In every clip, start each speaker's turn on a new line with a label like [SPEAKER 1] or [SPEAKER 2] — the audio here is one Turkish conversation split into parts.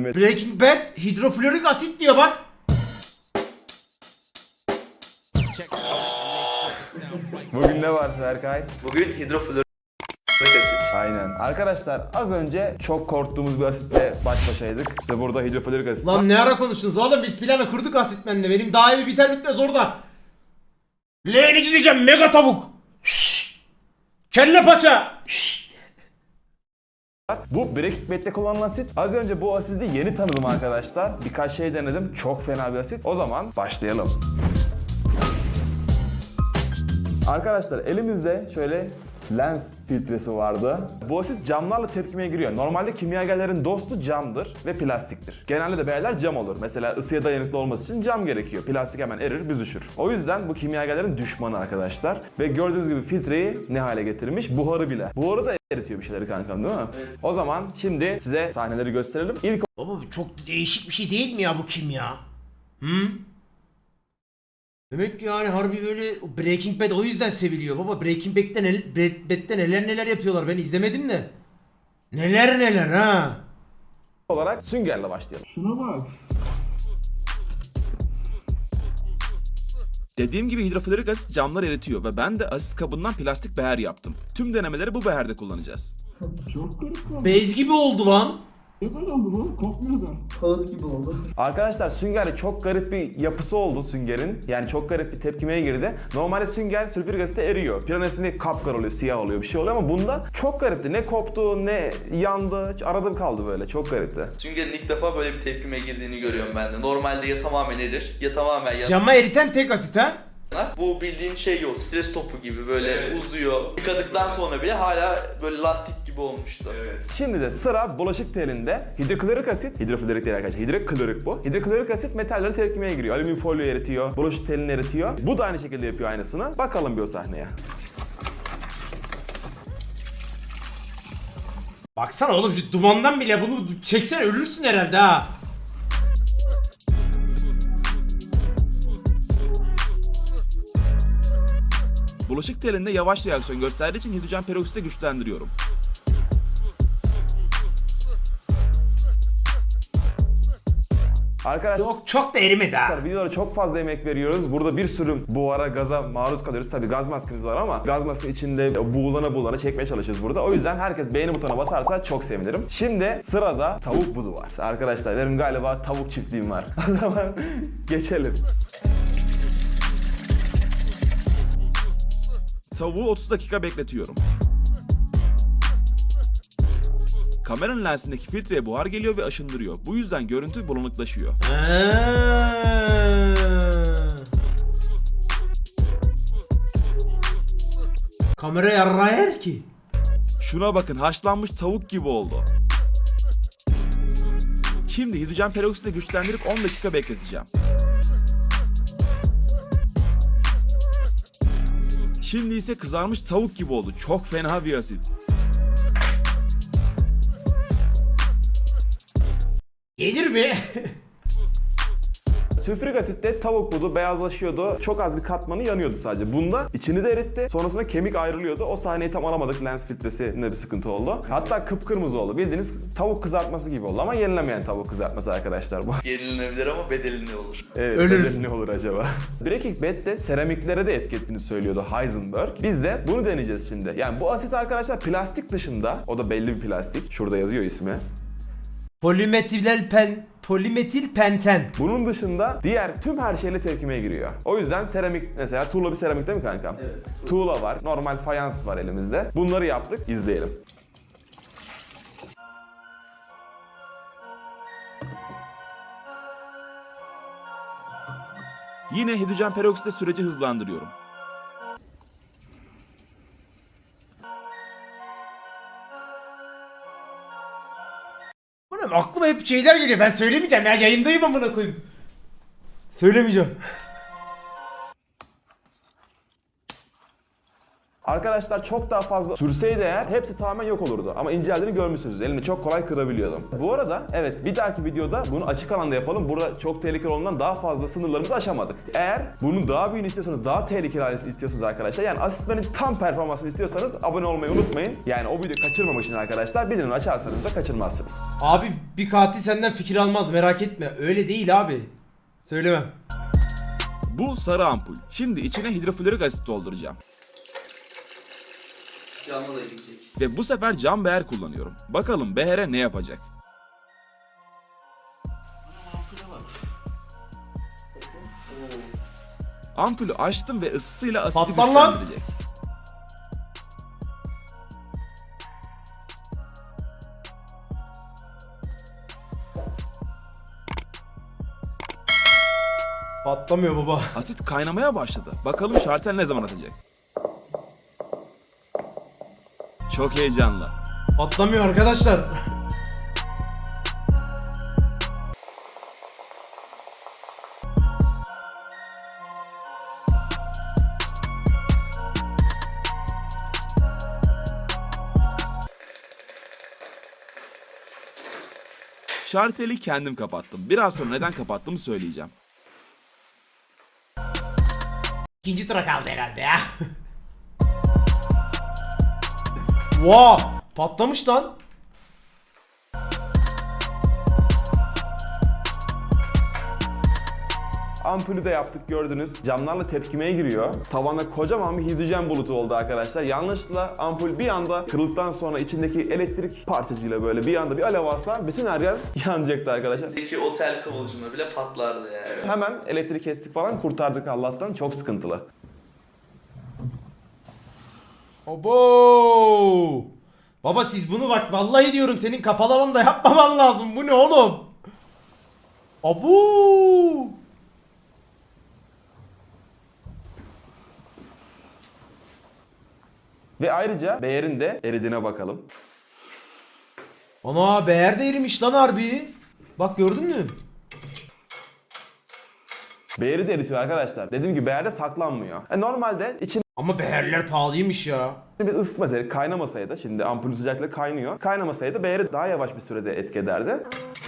[SPEAKER 1] denemedim.
[SPEAKER 2] Breaking Bad hidroflorik asit diyor bak.
[SPEAKER 1] Bugün ne var Berkay?
[SPEAKER 3] Bugün hidroflorik asit.
[SPEAKER 1] Aynen. Arkadaşlar az önce çok korktuğumuz bir asitle baş başaydık. Ve burada hidroflorik asit.
[SPEAKER 2] Lan ne ara konuştunuz oğlum, biz planı kurduk asitmenle. Benim daha iyi biter bitmez orada. Leğeni gideceğim mega tavuk. Şşş. Kelle paça. Şşş.
[SPEAKER 1] Bu Breaking Bad'de kullanılan asit. Az önce bu asidi yeni tanıdım arkadaşlar. Birkaç şey denedim. Çok fena bir asit. O zaman başlayalım. Arkadaşlar elimizde şöyle lens filtresi vardı. Bu asit camlarla tepkimeye giriyor. Normalde kimyagerlerin dostu camdır ve plastiktir. Genelde de beyler cam olur. Mesela ısıya dayanıklı olması için cam gerekiyor. Plastik hemen erir, büzüşür. O yüzden bu kimyagerlerin düşmanı arkadaşlar. Ve gördüğünüz gibi filtreyi ne hale getirmiş? Buharı bile. Buharı da eritiyor bir şeyleri kankam, değil mi? Evet. O zaman şimdi size sahneleri gösterelim. İlk
[SPEAKER 2] Baba çok değişik bir şey değil mi ya bu kimya? Hı? Demek ki yani harbi böyle Breaking Bad o yüzden seviliyor baba. Breaking Bad'de neler neler yapıyorlar, ben izlemedim de. Neler neler ha.
[SPEAKER 1] olarak süngerle başlayalım.
[SPEAKER 4] Şuna bak.
[SPEAKER 5] Dediğim gibi hidroflorik asit camlar eritiyor ve ben de asit kabından plastik beher yaptım. Tüm denemeleri bu beherde kullanacağız.
[SPEAKER 4] Çok garip oldu.
[SPEAKER 2] Bez gibi oldu lan.
[SPEAKER 4] Ne böyle oldu bu? Kokmuyor da.
[SPEAKER 6] Kağıt gibi oldu.
[SPEAKER 1] Arkadaşlar süngerle çok garip bir yapısı oldu süngerin. Yani çok garip bir tepkimeye girdi. Normalde sünger sülfürik asitte eriyor. Piranesinde kapkar oluyor, siyah oluyor, bir şey oluyor ama bunda çok garipti. Ne koptu, ne yandı, arada kaldı böyle. Çok garipti.
[SPEAKER 3] Süngerin ilk defa böyle bir tepkime girdiğini görüyorum ben de. Normalde ya tamamen erir ya tamamen yanar.
[SPEAKER 2] Cama eriten tek asit ha.
[SPEAKER 3] Bu bildiğin şey yok, stres topu gibi böyle uzuyor. Yıkadıktan sonra bile hala böyle lastik gibi olmuştu.
[SPEAKER 1] Şimdi de sıra bulaşık telinde hidroklorik asit, hidroflorik değil arkadaşlar, hidroklorik bu. Hidroklorik asit metalleri tepkimeye giriyor. Alüminyum folyo eritiyor, bulaşık telini eritiyor. Bu da aynı şekilde yapıyor aynısını. Bakalım bir o sahneye.
[SPEAKER 2] Baksana oğlum şu dumandan bile bunu çeksen ölürsün herhalde ha.
[SPEAKER 5] Bulaşık telinde yavaş reaksiyon gösterdiği için hidrojen peroksitle güçlendiriyorum.
[SPEAKER 1] Arkadaşlar
[SPEAKER 2] Çok da erimedi ha.
[SPEAKER 1] videolara çok fazla emek veriyoruz. Burada bir sürü buhara, gaza maruz kalıyoruz. Tabii gaz maskemiz var ama gaz maske içinde buğulana çekmeye çalışıyoruz burada. O yüzden herkes beğeni butonuna basarsa çok sevinirim. Şimdi sırada tavuk budu var. Arkadaşlar benim galiba tavuk çiftliğim var. O zaman geçelim.
[SPEAKER 5] Tavuğu 30 dakika bekletiyorum. Kameranın lensindeki filtreye buhar geliyor ve aşındırıyor. Bu yüzden görüntü bulanıklaşıyor.
[SPEAKER 2] Kamera yarrağı yer ki.
[SPEAKER 5] Şuna bakın, haşlanmış tavuk gibi oldu. Şimdi hidrojen peroksitle güçlendirip 10 dakika bekleteceğim. Şimdi ise kızarmış tavuk gibi oldu. Çok fena bir asit.
[SPEAKER 2] Gelir mi?
[SPEAKER 1] Sülfürik asitte tavuk budu beyazlaşıyordu. Çok az bir katmanı yanıyordu sadece. Bunda içini de eritti. Sonrasında kemik ayrılıyordu. O sahneyi tam alamadık. Lens filtresinde bir sıkıntı oldu. Hatta kıpkırmızı oldu. Bildiğiniz tavuk kızartması gibi oldu ama yenilemeyen tavuk kızartması arkadaşlar bu.
[SPEAKER 3] Yenilenebilir ama bedeli ne olur?
[SPEAKER 1] Evet,
[SPEAKER 2] Ölürüz.
[SPEAKER 1] bedeli ne olur acaba? Breaking Bad'de seramiklere de etki ettiğini söylüyordu Heisenberg. Biz de bunu deneyeceğiz şimdi. Yani bu asit arkadaşlar plastik dışında, o da belli bir plastik. Şurada yazıyor ismi.
[SPEAKER 2] Polimetil penten.
[SPEAKER 1] Bunun dışında diğer tüm her şeyle tepkimeye giriyor. O yüzden seramik, mesela tuğla bir seramik değil mi kankam?
[SPEAKER 3] Evet.
[SPEAKER 1] Tuğla var, normal fayans var elimizde. Bunları yaptık, izleyelim.
[SPEAKER 5] Yine hidrojen peroksitle süreci hızlandırıyorum.
[SPEAKER 2] Oğlum aklıma hep şeyler geliyor. Ben söylemeyeceğim ya. Yayındayım amına koyayım. Söylemeyeceğim.
[SPEAKER 1] Arkadaşlar çok daha fazla sürseydi eğer hepsi tamamen yok olurdu. Ama inceldiğini görmüşsünüz. Elimi çok kolay kırabiliyordum. Bu arada evet, bir dahaki videoda bunu açık alanda yapalım. Burada çok tehlikeli olduğundan daha fazla sınırlarımızı aşamadık. Eğer bunun daha büyüğünü istiyorsanız, daha tehlikeli halini istiyorsanız arkadaşlar, yani asistlerin tam performansını istiyorsanız abone olmayı unutmayın. Yani o videoyu kaçırmamak için arkadaşlar bildirimleri açarsanız da kaçırmazsınız.
[SPEAKER 2] Abi bir katil senden fikir almaz, merak etme. Öyle değil abi. Söylemem.
[SPEAKER 5] Bu sarı ampul. Şimdi içine hidroflorik asit dolduracağım.
[SPEAKER 3] Canlı da gidecek.
[SPEAKER 5] Ve bu sefer cam beher kullanıyorum. Bakalım behere ne yapacak? Ampulü açtım ve ısısıyla asiti
[SPEAKER 2] Patlar lan!
[SPEAKER 5] güçlendirecek.
[SPEAKER 2] Patlamıyor baba.
[SPEAKER 5] Asit kaynamaya başladı. Bakalım şartel ne zaman atacak? Çok heyecanlı.
[SPEAKER 2] Patlamıyor arkadaşlar.
[SPEAKER 5] Şarteli kendim kapattım. Biraz sonra neden kapattığımı söyleyeceğim.
[SPEAKER 2] İkinci tura kaldı herhalde ya. Wow, patlamış lan.
[SPEAKER 1] Ampulü de yaptık, gördünüz. Camlarla tepkimeye giriyor. Tavanda kocaman bir hidrojen bulutu oldu arkadaşlar. Yanlışlıkla ampul bir anda kırıldıktan sonra içindeki elektrik parçacığıyla böyle bir anda bir alev alsa bütün her yer yanacaktı arkadaşlar.
[SPEAKER 3] Peki otel kıvılcımı bile patlardı yani.
[SPEAKER 1] Hemen elektrik kestik falan, kurtardık Allah'tan. Çok sıkıntılı.
[SPEAKER 2] Obo. Baba siz bunu bak vallahi diyorum senin kapalı alanda yapmaman lazım. Bu ne oğlum? Abu.
[SPEAKER 1] Ve ayrıca beğerin de eridiğine bakalım.
[SPEAKER 2] Ana beğer de erimiş lan harbi. Bak gördün mü?
[SPEAKER 1] Beğeri de eritiyor arkadaşlar. Dediğim gibi beğerde saklanmıyor. Normalde içinde
[SPEAKER 2] Ama beğerler pahalıymış ya.
[SPEAKER 1] biz ısıtmasaydık, kaynamasaydı, şimdi ampulün sıcaklığı kaynıyor. Kaynamasaydı beğeri daha yavaş bir sürede etki ederdi.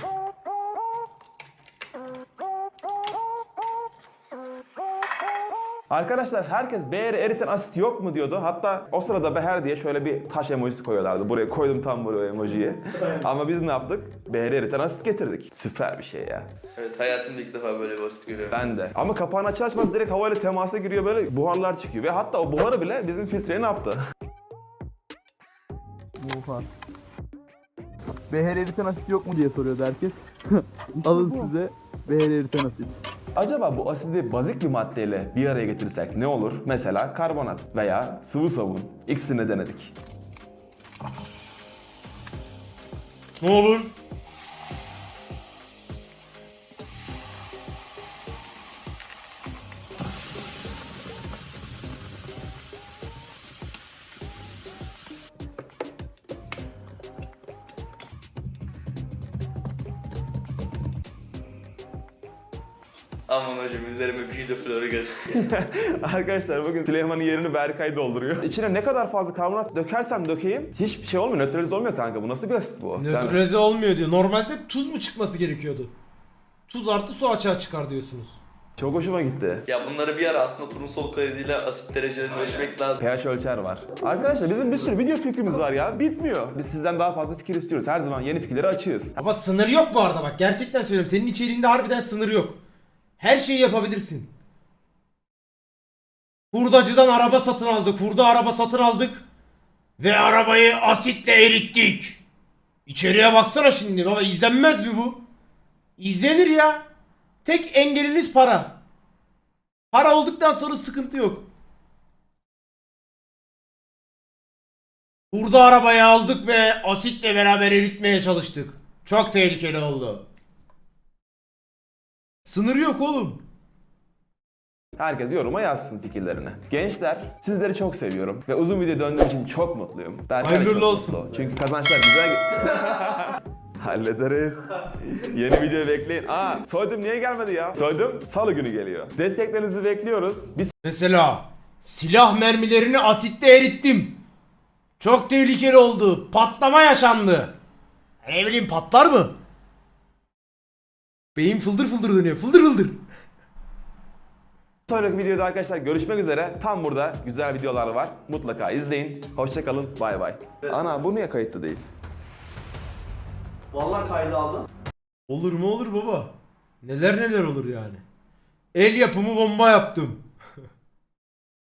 [SPEAKER 1] Arkadaşlar herkes beğeri eriten asit yok mu diyordu. Hatta o sırada beher diye şöyle bir taş emojisi koyuyorlardı. Buraya koydum tam buraya emojiyi. Ama biz ne yaptık? Beğeri eriten asit getirdik. Süper bir şey ya.
[SPEAKER 3] Evet, hayatımda ilk defa böyle basit görüyorum.
[SPEAKER 1] Ben de. Ama kapağını açar açmaz direkt havayla temasa giriyor, böyle buharlar çıkıyor. Ve hatta o buharı bile bizim filtreye ne yaptı?
[SPEAKER 6] Oha. Beher eriten asit yok mu diye soruyordu herkes. Alın size beher eriten asit.
[SPEAKER 1] Acaba bu asidi bazik bir maddeyle bir araya getirirsek ne olur? Mesela karbonat veya sıvı sabun. İkisini de denedik.
[SPEAKER 2] Ne olur?
[SPEAKER 3] Aman hocam üzerime bir hidroflorik asit.
[SPEAKER 1] Arkadaşlar bugün Süleyman'ın yerini Berkay dolduruyor. İçine ne kadar fazla karbonat dökersem dökeyim hiçbir şey olmuyor. Nötralize olmuyor kanka. Bu nasıl bir asit bu?
[SPEAKER 2] Nötralize olmuyor diyor. Normalde tuz mu çıkması gerekiyordu? Tuz artı su açığa çıkar diyorsunuz.
[SPEAKER 1] Çok hoşuma gitti.
[SPEAKER 3] Ya bunları bir ara aslında turnusol kaydıyla asit derecelerini ölçmek lazım.
[SPEAKER 1] pH ölçer var. Arkadaşlar bizim bir sürü video fikrimiz var ya. Bitmiyor. Biz sizden daha fazla fikir istiyoruz. Her zaman yeni fikirleri açığız.
[SPEAKER 2] Ama sınır yok bu arada bak. Gerçekten söylüyorum. Senin içeriğinde harbiden sınır yok. Her şeyi yapabilirsin. Hurdacıdan araba satın aldık. Hurda araba satın aldık. Ve arabayı asitle erittik. İçeriye baksana şimdi baba. İzlenmez mi bu? İzlenir ya. Tek engeliniz para. Para olduktan sonra sıkıntı yok. Hurda arabayı aldık ve asitle beraber eritmeye çalıştık. Çok tehlikeli oldu. Sınır yok oğlum.
[SPEAKER 1] Herkes yoruma yazsın fikirlerini. Gençler, sizleri çok seviyorum ve uzun video döndüğüm için çok mutluyum. Berkay da
[SPEAKER 2] Hayırlı
[SPEAKER 1] çok
[SPEAKER 2] olsun.
[SPEAKER 1] mutlu. Çünkü kazançlar güzel. Hallederiz. Yeni video bekleyin. Soydum niye gelmedi ya? Soydum salı günü geliyor. Desteklerinizi bekliyoruz. Bir
[SPEAKER 2] Mesela Silah mermilerini asitte erittim. Çok tehlikeli oldu. Patlama yaşandı. Ne bileyim patlar mı? Beyin fıldır fıldır dönüyor. Fıldır fıldır.
[SPEAKER 1] Sonraki videoda arkadaşlar görüşmek üzere. Tam burada güzel videolar var. Mutlaka izleyin. Hoşçakalın. Bay bay. Ana bu niye kayıtlı değil?
[SPEAKER 3] Vallahi kaydı aldım.
[SPEAKER 2] Olur mu olur baba. Neler neler olur yani. El yapımı bomba yaptım.